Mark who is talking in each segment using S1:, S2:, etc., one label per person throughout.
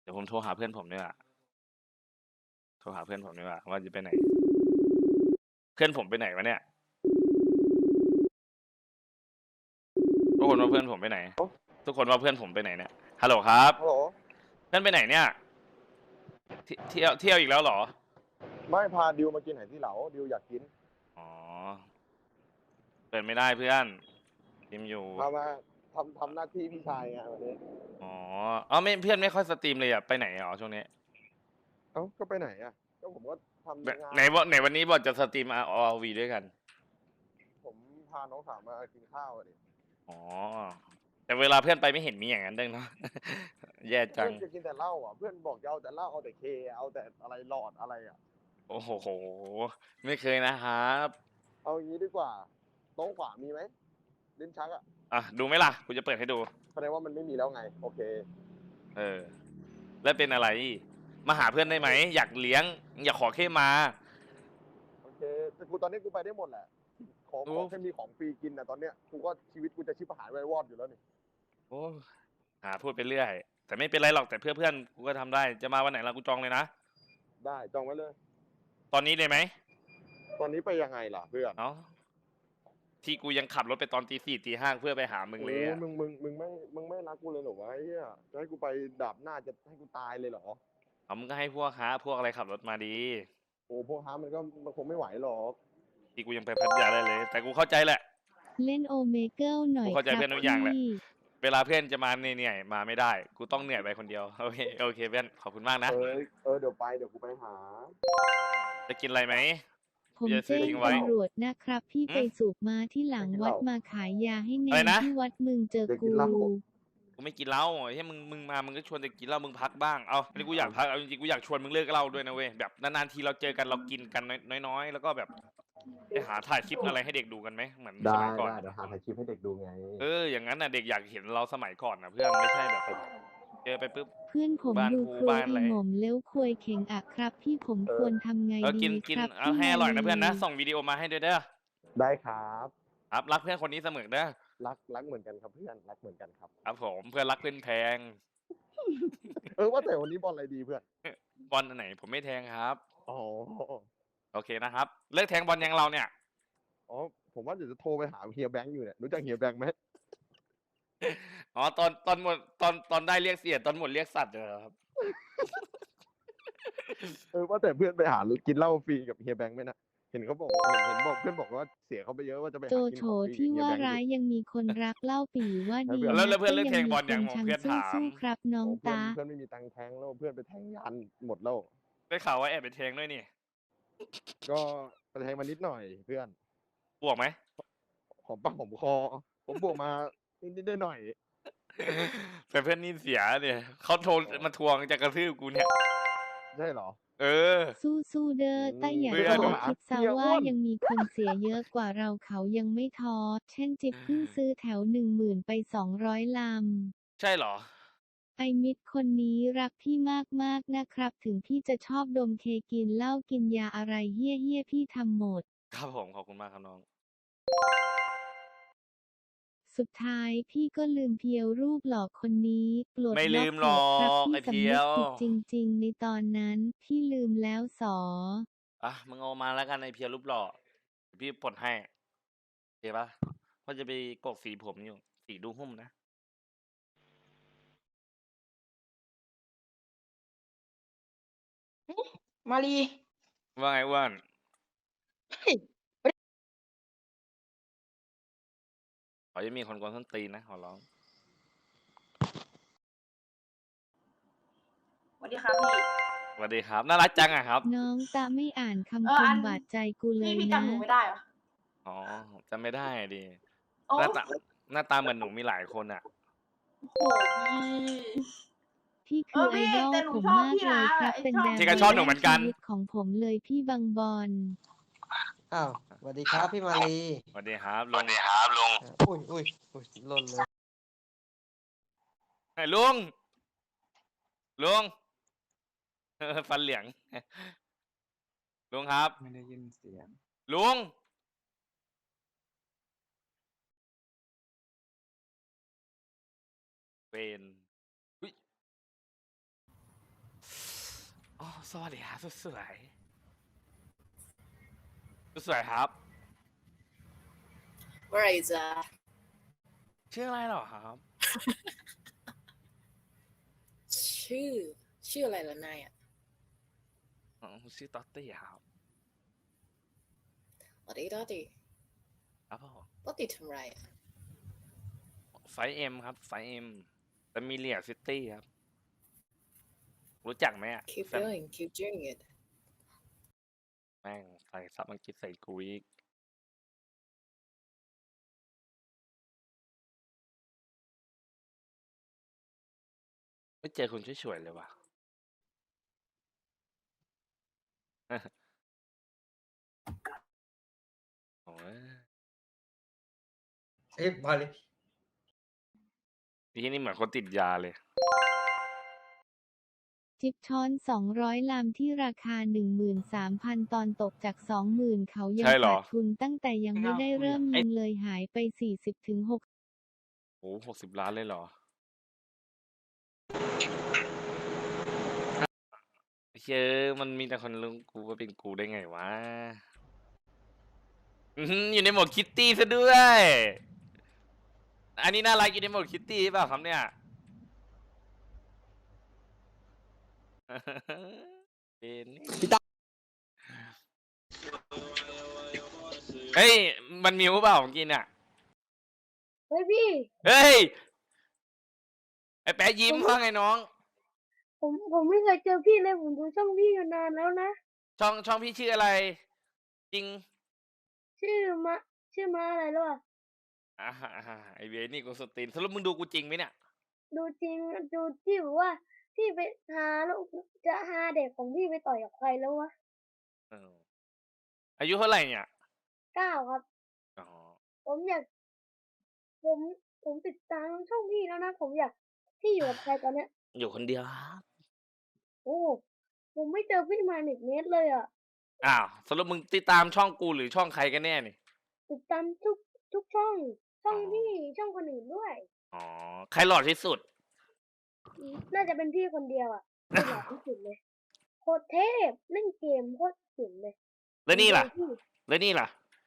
S1: เดี๋ยวผมโทรหาเพื่อนผมดีกว่าโทรหาเพื่อนผมดีกว่าว่าจะไปไหนเพื่อนผมไปไหนวะเนี่ยทุกคนว่าเพื่อนผมไปไหนทุกคนว่าเพื่อนผมไปไหนเนี่ยฮัลโหลครับ
S2: ฮัลโหล
S1: เพื่อนไปไหนเนี่ยเที่ยวอีกแล้วเหรอ
S2: ไม่พาดิวมากินไหนที่เหลาดิวอยากกิน
S1: อ๋อเปิดไม่ได้เพื่อนพิมอยู่
S2: พามาทำหน้าที่พี่ชายไงวันนี้
S1: อ๋ออ๋อไม่เพื่อนไม่ค่อยสตรีมเลยอ่ะไปไหนอ๋อช่วงนี้
S2: เอ้าก็ไปไหนอ่ะก็ผมก็ทำงาน
S1: ไหนวันนี้บอกจะสตรีมROVด้วยกัน
S2: ผมพาน้องสาวมากินข้าวดิ
S1: อ๋อแต่เวลาเพื่อนไปไม่เห็นมีอย่างนั้นเด้งเนาะแย่จัง
S2: เพื่อนจะกินแต่เหล้าอ่ะเพื่อนบอกจะเอาแต่เหล้าเอาแต่เคเอาแต่อะไรหลอดอะไรอ่ะ
S1: โอ้โหไม่เคยนะครับ
S2: เอางี้ดีกว่าโต๊ะขวามีไหมลิ้นชักอ่ะ
S1: อ่ะดูไหมล่ะกูจะเปิดให้ดู
S2: แสดงว่ามันไม่มีแล้วไงโอเค
S1: เออแล้วเป็นอะไรมาหาเพื่อนได้ไหมอยากเลี้ยงอยากขอแค่มา
S2: โอเคแต่กูตอนนี้กูไปได้หมดแหละขอแค่มีของฟรีกินนะตอนเนี้ยกูก็ชีวิตกูจะชิบหายไว้วอดอยู่แล้วนี่
S1: โอ้พูดไปเรื่อยแต่ไม่เป็นไรหรอกแต่เพื่อนกูก็ทำได้จะมาวันไหนล่ะกูจองเลยนะ
S2: ได้จองไว้เลย
S1: ตอนนี้เลยไหม
S2: ตอนนี้ไปยังไงล่ะเพื่อน
S1: เนาะที่กูยังขับรถไปตอนตีสี่ตีห้าเพื่อไปหามึง
S2: โอ้
S1: เลยอ่ะ
S2: มึงไม่รักกูเลยเหรอวะไอ้เหี้ยจะให้กูไปดาบหน้าจะให้กูตายเลยเหรอ
S1: เอามึงก็ให้พวกอะไรขับรถมาดี
S2: โอ้พวกฮามันคงไม่ไหวหรอก
S1: ที่กูยังไปพัทยาได้เลยแต่กูเข้าใจแหละ
S3: เล่นโอเมเกิลหน่อย
S1: กูเข้าใจ
S3: ครับ
S1: เพื่อนทุกอย่างแหละ
S3: พี่
S1: เวลาเพื่อนจะมาเหนื่อยมาไม่ได้กูต้องเหนื่อยไปคนเดียวโอเคเพื่อนขอบคุณมากนะ
S2: เดี๋ยวกูไปหา
S1: จะกินอะไรไหม
S3: ผม
S1: จะซื้อ
S3: แจ้ง
S1: ทิ้งไว้
S3: ตำรวจนะครับพี่ไปสูบมาที่หลังวัดมาขายยาให้เนนที่วัดมึงเจอกู
S1: กูไม่กินเหล้าเฮ้ยมึงมามึงก็ชวนจะกินเหล้ามึงพักบ้างเอาอันนี้กูอยากพักเอาจริงๆกูอยากชวนมึงเลิกเหล้าด้วยนะเว้ยแบบนานๆทีเราเจอกันเรากินกันน้อยๆแล้วก็แบบไปหาถ่ายคลิปอะไรให้เด็กดูกันไหมเหมือนสมัยก่อน
S2: เดี๋ยวหาถ่ายคลิปให้เด็กดูไง
S1: อย่างนั้นน่ะเด็กอยากเห็นเราสมัยก่อนนะเพื่อนไม่ใช่แบบเจอไปปุ๊บ
S3: เพื่อนผม
S1: บ้าน
S3: ดู
S1: กู
S3: ครัว
S1: บ้านอะ
S3: อี
S1: ไร
S3: หม่อมเลี้ยวควยเข่งอะครับพี่ผมควรทำไงดี
S1: กิน
S3: ครับ
S1: เอาให้อร่อยนะเพื่อนนะส่งวิดีโอมาให้ด้วยเด้อ
S2: ได้ครับ
S1: ครับรักเพื่อนคนนี้เสมอเด้อ
S2: รักเหมือนกันครับเพื่อนรักเหมือนกันครับ
S1: ครับผมเพื่อนรักเพื่อนแพง
S2: ว่าแต่วันนี้บอลอะไรดีเพื่อน
S1: บอลอันไหนผมไม่แทงครับ
S2: อ๋อ
S1: โอเคนะครับเลิกแทงบอลยังเราเนี่ย
S2: อ๋อผมว่าเดี๋ยวจะโทรไปหาเฮียแบงค์อยู่เนี่ยรู้จักเฮียแบงค์ไหม
S1: อ๋อตอนหมดตอนได้เรียกเสียตอนหมดเรียกสัตว์เหรอครับ
S2: ว่าแต่เพื่อนไปหากินเหล้าฟรีกับเฮียแบงค์ไหมนะเห็นเขาบอกเห็นบอกเพื่อนบอกว่าเสียเขาไปเยอะว่าจะไป
S3: โจ
S2: หากิน
S3: โฉ
S2: ของฟรี
S3: ที่
S2: กับเฮีย
S3: ว่า
S2: แบงค์
S3: ร้ายยังมีคนรักเล่าปี่ว่าดี
S1: แล้ว
S3: นะ
S1: เพื่อน
S3: ก็
S1: เลิก
S3: ยัง
S1: แทง
S3: มี
S1: บอล
S3: ค
S1: ยัง
S3: น
S1: ผม
S3: ชัง
S1: เพื่อนถาม
S3: สู้ๆครับน้อง
S2: เพื่อน
S3: ตา
S2: เพื่อนไม่มีตังค์แทงแล้วเพื่อนไปแทงยันหมดแล้ว
S1: ได้ข่าวว่าแอบไปแทงด้วยนี่
S2: ก็ไปแทงมานิดหน่อยเพื่อน
S1: บวกไหม
S2: หอมปากหอมคอผมบวกมานิดหน่อย
S1: แต่เพื่อนนี่เสียเนี่ยเขาโทรมาทวงจะกระทืบกูเนี่ย
S2: ใช่เหรอ
S3: สู้ๆเด้อแต่อย่า
S1: เพื่
S3: โท
S1: อน
S3: ษคิดซะ
S2: เฮียอ้
S3: ว่าน ยังมีคนเสียเยอะกว่าเราเขายังไม่ท้อเช่นจิ๊บเพิ่งซื้อแถว10,000ไป200ลำ
S1: ใช่เหรอ
S3: ไอมิดคนนี้รักพี่มากๆนะครับถึงพี่จะชอบดมเคกินเหล้ากินยาอะไรเหี้ยพี่ทำหมด
S1: ครับผมขอบคุณมากครับน้อง
S3: สุดท้ายพี่ก็ลืมเพียวรูปหล่อคนนี้ปลด
S1: ไม่
S3: ล็
S1: ลื
S3: อก
S1: ม
S3: เถ
S1: หรอ
S3: อะครับ
S1: ก
S3: พี่
S1: ไอ้
S3: สำ
S1: เพี
S3: นึ
S1: ย
S3: ก
S1: ว
S3: ผิดจริงๆในตอนนั้นพี่ลืมแล้วสอ
S1: มึงเอามาแล้วกันไอ้เพียรูปหล่อเดี๋ยวพี่ปลดให้โอเคปะเพราะจะไปกดสีผมอยู่สีดูหุ้มนะ
S4: มารี
S1: ว่าไงอ้วน
S4: เฮ้ย
S1: เขาจะมีคนกวนส้นตีนนะขอร้อง
S4: สวัสดีครับพี่
S1: สวัสดีครับน่ารักจังอะครับ
S3: น้องตาไม่อ่านคำ
S4: เออ
S3: ค
S4: อั
S3: ม
S4: น
S3: บาดใจกูเล
S4: พี่
S3: ย
S4: พี่
S3: นะ
S4: จำหนูไม่ได้เหรอ
S1: อ๋อจำไม่ได้ดิ
S4: โอ้
S1: หน้าตาหน้าตาเหมือนหนูมีหลายคนอะ
S4: โหพี่
S3: พี่คือไอ
S4: พี่
S3: ดอล
S4: แต่หนู
S3: ผม
S4: ชอบ
S3: มาก
S4: พี่
S3: เล
S4: นะ
S3: ยครับ
S4: ไอ้
S3: เป็น
S4: ชอบ
S3: แบบ
S1: ที่ก็ชอบหนูเหมือนกัน
S3: ชีวิตของผมเลยพี่บางบอล
S5: อ้าวสวัสดีครับพี่มาลี
S1: สวัสดีครับลุง
S5: อุ้ยหล่นเลย
S1: ไอ้ลุงฟันเหลียงลุงครับ
S5: ไม่ได้ยินเสียง
S1: ลุงเป็นอุ๊ยสวัสดีครับสุดสวยสุดสวยครับ
S6: ว่าไรจ๊ะ
S1: ชื่ออะไรเหรอครับ
S6: ชื่อ ชื่ออะไรล่ะนายอ่ะ
S1: อ๋อชื่อต๊อตตี้ครับ
S6: ตอติตอติ
S1: ครับผม
S6: ตอติทำไรอ่ะ
S1: ไฟเอ็มครับไฟเอ็มแฟมิเลียซิตี้ครับ รู้จักไหมอ่ะ
S6: keep going keep doing it
S1: แม่งใส่ซับอังกฤษใส่กูอีกไม่เจอคนช่วยๆเลยว่ะ โอ้ย
S5: เอ๊ะมาเลย
S1: ที่นี่เหมือนคนติดยาเลย
S3: จิ๊บช้อน 200 ลำที่ราคา 13,000 ตอนตกจาก 20,000 เขายัง
S1: ใช่เหรอ
S3: ขาดทุนตั้งแต่ยังไม่ได้เริ่มยิงเลยหายไป 40-60
S1: โอ้60 ล้านเลยเหรอเชื่อมันมีแต่คนรู้กูว่าเป็นกูได้ไงวะอยู่ในโหมดคิตตี้ซะด้วย อันนี้น่ารักอยู่ในโหมดคิตตี้เปล่าครับเนี่ย เป็นเฮ้ย มันมิวเปล่าของกินอ่ะ
S7: เฮ้ยพี่
S1: เฮ้ย ไอ้แป๊ะยิ้มว่าไงน้อง
S7: ผมไม่เคยเจอพี่เลยผมดูช่องพี่อยู่นานแล้วนะ
S1: ช่องพี่ชื่ออะไร จริง
S7: ชื่อมะอะไรแล้วอ่ะ
S1: ไอเวนี่กูสตรีนสรุปมึงดูกูจริงไหมเนี่ย
S7: ดูจริงดูที่บอกว่าพี่ไปหาแล้วจะหาเด็กของพี่ไปต่อยกับใครแล้ววะ
S1: เอออายุเท่าไหร่เนี่ย
S7: 9 ครับ
S1: อ๋อ
S7: ผมอยากผมติดตามช่องพี่แล้วนะผมอยากพี่อยู่กับใครตอนเนี้ย
S1: อยู่คนเดียวครับ
S7: โอ้ผมไม่เจอพี่มา1 เมตรเลยอ่ะ
S1: อ้าวสรุปมึงติดตามช่องกูหรือช่องใครกันแน่นี่
S7: ติดตามทุกช่องพี่ช่องคนอื่นด้วย
S1: อ๋อ ใครหล่อที่สุด
S7: น่าจะเป็นพี่คนเดียวอ่ะที่หล่อที่สุดเลยโคตรเทพเล่นเกมโคตรเจ๋งเลย
S1: แล้วนี่ล่ะ
S7: พี่
S1: แล้วนี่ล่ะ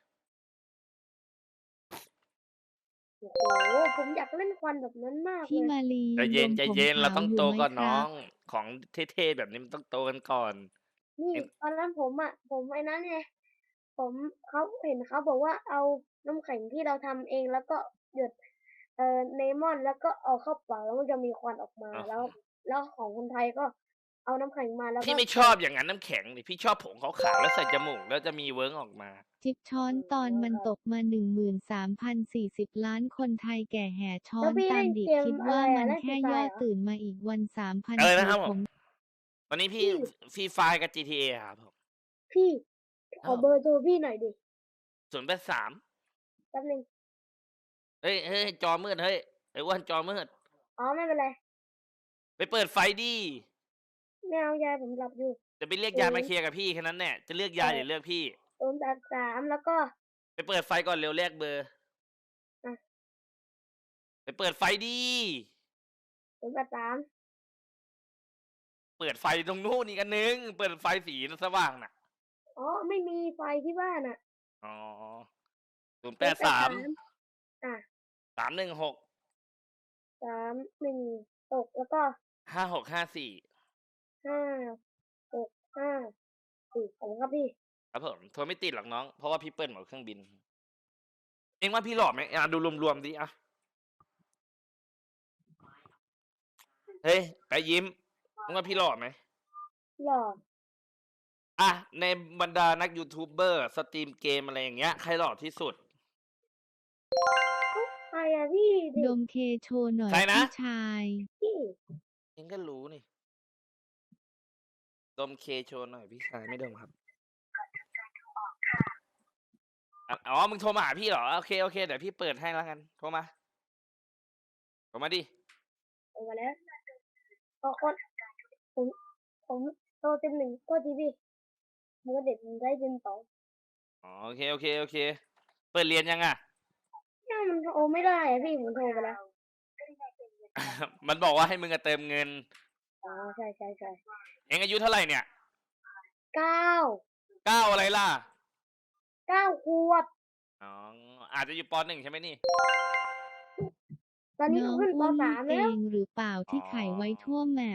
S7: โอ้โหผมอยากเล่นควันแบบนั้นมาก
S3: พี่
S7: เลย
S3: มาลี
S1: ใจเย็น
S3: รวม
S1: ใจ
S3: ผม
S1: เย็น เรา
S3: ขาว
S1: ต้อง
S3: อยู่
S1: โต
S3: ไหม
S1: ก่อน
S3: ค
S1: น้
S3: รั
S1: อบ ง ของเท่ๆแบบนี้มันต้องโตกันก่อน
S7: นี่ตอนนั้นผมไอ้นั้นไงเขาเห็นเขาบอกว่าเอาน้ำแข็งที่เราทำเองแล้วก็หยดเลมอนแล้วก็เอาเข้าปากแล้วมันจะมีควันออกมา
S1: อ่า
S7: แล้วของคนไทยก็เอาน้ำแข็งมาแล้วก็
S1: พี่ไม่ชอบอย่างนั้นน้ำแข็งนี่พี่ชอบผงขาวๆแล้วใส่จมูกแล้วจะมีเวิร์กออกมา
S3: จิ๊บช้อนตอนมันตกมา 13,040 ล้านคนไทยแก่แห่ช้อ
S7: แล้ว
S3: น
S7: พี่
S3: ตา
S7: เล่
S3: ม
S7: น
S3: ดิบ
S7: เกม
S3: คิด
S7: อะไร
S3: ว่า
S7: อะ
S3: มัน
S7: เล่นฟ
S3: แค่
S7: รีไฟ
S3: ย่อ
S7: เหรอ
S3: ตื่นมาอีกวัน
S1: อะไรนะครับ
S3: 3,000
S1: ผม
S3: ผม
S1: ตอนนี้พี่ฟรีไฟกับ GTA ครับผม
S7: พี่ขอ
S1: อ้าว
S7: เบอร์โทรพี่หน่อยดิ
S1: 083
S7: แป๊บนึง
S1: เฮ้ยจอมืดเฮ้ยไอ้อ้วนจอมืด
S7: อ๋อไม่เป็นไร
S1: ไปเปิดไฟดิ
S7: ไม่เอายายผมหลับอยู่
S1: จะไปเรียกยายมาเคลียร์กับพี่แค่นั้นแน่จะเลือกยายหรือเลือกพี่
S7: 083แล้วก็
S1: ไปเปิดไฟก่อนเร็วแลกเบอร์
S7: อ่ะ
S1: ไปเปิดไฟดิ
S7: 083
S1: เปิดไฟตรงนู้นอีกอันนึง เปิดไฟสีสว่างน่ะ
S7: อ๋อไม่มีไฟที่บ้านอ่ะ
S1: อ๋อ 083
S7: อ่ะ
S1: 316
S7: 31ตกแล้วก็
S1: 5654
S7: 5654ผมครับพี่
S1: ครับผมโทรไม่ติดหรอกน้อง เพราะว่าพี่เปิ้ลหมดเครื่องบิน เองว่าพี่หล่อไหมอ่ะดูรวมๆดิอ่ะ เฮ้ยไปยิ้มมึงว่าพี่หล่อไหม
S7: หล่อ
S1: อ่ะในบรรดานักยูทูบเบอร์สตรีมเกมอะไรอย่างเงี้ยใครหล่อที่สุด
S7: ใครอะพี่
S3: ดมเคโชว์หน่อย
S1: ใครนะ
S3: พี่ชาย
S7: พี่
S1: เองก็รู้นี่ดมเคโชว์หน่อยพี่ชายไม่ดมครับอ๋อมึงโทรมาหาพี่เหรอโอเคเดี๋ยวพี่เปิดให้แล้วกันโทรมาดิ
S7: ออกมาแล้วขอคนผมโตเต็ม1ก็ทีพี่มันก็เด็ดมันได้เต็ม2
S1: อ๋อโอเคเปิดเรียนยังอ่ะ
S7: เนี่ยมันโทรไม่ได้อะพี่ผมโทรไปแล้ว
S1: มันบอกว่าให้มึงอะเติมเงิน
S7: อ๋อใช่
S1: เองอายุเท่าไหร่เนี่ย
S7: 9
S1: 9อะไรล่ะ
S7: 9 ขวบ
S1: อ๋ออาจจะอยู่ป .1 ใช่ไหมนี่
S7: ตอนนี้
S3: น้
S7: เขา
S3: อง
S7: ขึ้นป
S3: อ้วนลูก
S7: .3
S3: เอ
S7: แล้ว
S3: งหรือเปล่าที่ไขไว้ทั่วแมป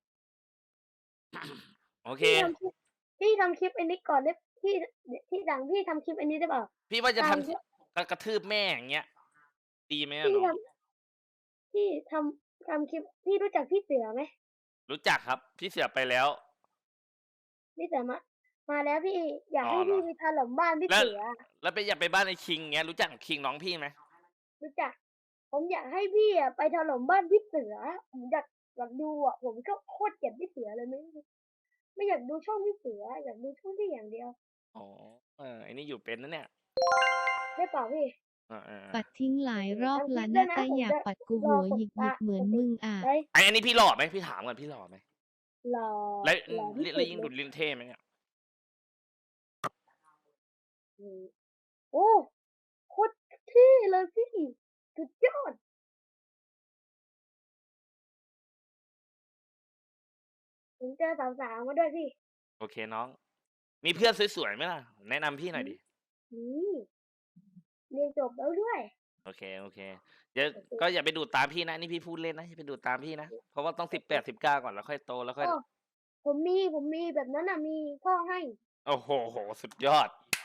S1: โอเค
S7: พี่ทำคลิปอันนี้ก่อนได้พี่ดังพี่ทำคลิปอันนี้ได้เปล่า
S1: พี่ว่าจะ
S7: ตา
S1: ท
S7: มที่
S1: ำกระทืบแม่อย่างเงี้ยดีไหมอะ
S7: พี่
S1: น้อง
S7: พี่ทำคลิปพี่รู้จักพี่เสือไหม
S1: รู้จักครับ พี่เสือไปแล้ว
S7: พี่เสือมาแล้วพี่อยาก
S1: อ๋อ
S7: ให้
S1: เหร
S7: พี่
S1: อ
S7: ไปถล่มบ้านพี่
S1: แล้ว
S7: เสือ
S1: แล้วไปอยากไปบ้านไอ้คิงเงี้ยรู้จักคิงน้องพี่ไหม
S7: รู้จัก ผมอยากให้พี่อะไปถล่มบ้านพี่เสือผมอยากดูอ่ะผมก็โคตรเกลียดพี่เสือเลยไม่อยากดูช่องพี่เสืออยากดูช่องพี่อย่างเดียว
S1: อ๋อไอ้นี่อยู่เป็นนะเนี่ย
S7: ได้เปล่าพี่
S3: ปัดทิ้งหลายรอบ
S7: ทำคลิ
S3: ละ
S7: ปด้ว
S3: นะ
S7: ยนะ
S3: แต่
S7: ผม
S3: อยาก
S7: จะ
S3: ปัดกู
S7: ร
S3: หั
S7: อ
S3: ว
S7: ก
S3: ห
S7: ด
S3: ยิก
S7: ตา
S3: เหมือน
S7: กดติ
S3: มึ
S7: ด
S3: งอ่ะ
S7: ไว้
S1: อันนี้พี่หล่อไหมพี่ถามก่อนพี่หล่อไหม
S7: รอ
S1: แล้ว
S7: รอที่สุ
S1: แล้ว
S7: ด
S1: ยิ่ง
S7: เล
S1: ดู
S7: ย
S1: ดลิ้นเท่ไหมเนี่ย
S7: อืมโอ้โคตรเท่เลยพี่สุดยอดผมเจอสาวๆมาด้วยพี่
S1: โอเคน้อง มีเพื่อนสวยๆไหมล่ะ แนะนำพี่หน่อยดิ
S7: นี่เรียนจบแล้วด้วย
S1: โอเคเดี๋ยวก็อย่าไปดูดตามพี่นะนี่พี่พูดเล่นนะอย่าไปดูดตามพี่นะเพราะว่าต้อง18 19ก่อนแล้วค่อยโตแล้วค่อย
S7: โอ้ผมมีแบบนั้นอ่ะมีพ่อให้
S1: โอ้โหสุดยอด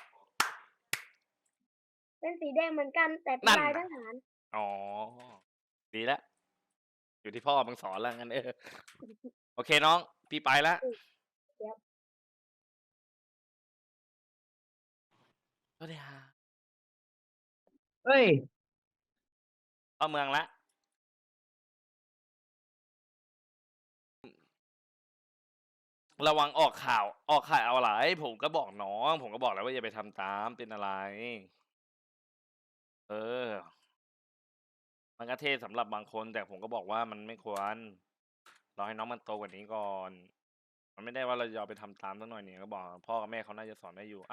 S7: เป็นสีแดงเหมือนกันแต่เป็น
S1: นั่น
S7: ลายท
S1: น่ะ
S7: หาร
S1: อ๋อดีแล้วอยู่ที่พ่อมึงสอนแล้วงั้นโอเคน้อง พี่ไปแล้ว
S7: เดี๋ยว
S1: สวัสดีฮะ
S5: เฮ้ย
S1: เข้าเมืองละระวังออกข่าวเอาอะไรผมก็บอกน้อง ผมก็บอกแล้วว่าอย่าไปทำตามเป็นอะไร เออ มันก็เท่สำหรับบางคน แต่ผมก็บอกว่ามันไม่ควรรอให้น้องมันโตกว่านี้ก่อน มันไม่ได้ว่าเราจะเอาไปทำตามสักหน่อยเนี่ยก็บอกพ่อกับแม่เขาน่าจะสอนได้อยู่